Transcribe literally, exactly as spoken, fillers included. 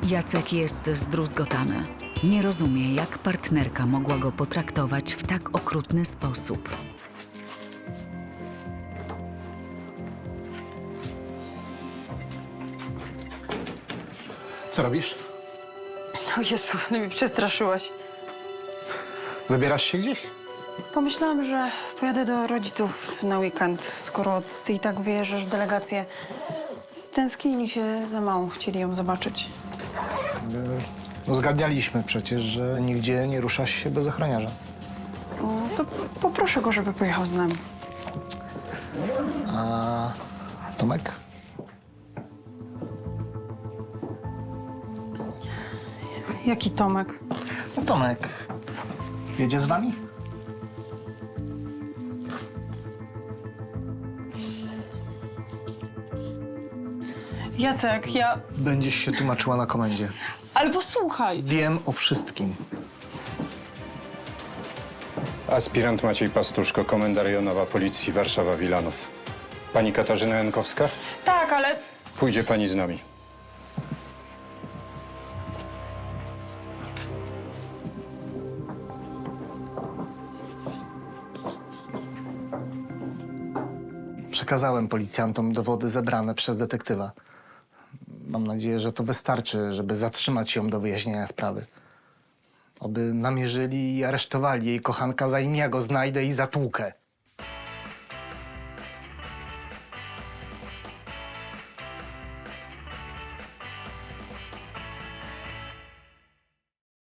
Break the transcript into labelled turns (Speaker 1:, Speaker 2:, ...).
Speaker 1: Jacek jest zdruzgotany. Nie rozumie, jak partnerka mogła go potraktować w tak okrutny sposób.
Speaker 2: Co robisz?
Speaker 3: O Jezu, no mi przestraszyłaś.
Speaker 2: Wybierasz się gdzieś?
Speaker 3: Pomyślałam, że pojadę do rodziców na weekend, skoro ty i tak wyjeżdżasz w delegację. Stęsknili się za małą, chcieli ją zobaczyć.
Speaker 2: No zgadnialiśmy przecież, że nigdzie nie ruszasz się bez ochroniarza.
Speaker 3: No, to poproszę go, żeby pojechał z nami.
Speaker 2: A Tomek?
Speaker 3: Jaki Tomek?
Speaker 2: No Tomek jedzie z wami?
Speaker 3: Jacek, ja...
Speaker 2: Będziesz się tłumaczyła na komendzie.
Speaker 3: Ale posłuchaj!
Speaker 2: Wiem o wszystkim.
Speaker 4: Aspirant Maciej Pastuszko, komenda rejonowa Policji Warszawa-Wilanów. Pani Katarzyna Jankowska?
Speaker 3: Tak, ale...
Speaker 4: Pójdzie pani z nami.
Speaker 2: Przekazałem policjantom dowody zebrane przez detektywa. Mam nadzieję, że to wystarczy, żeby zatrzymać ją do wyjaśnienia sprawy. Oby namierzyli i aresztowali jej kochanka, zanim ja go znajdę i zatłukę.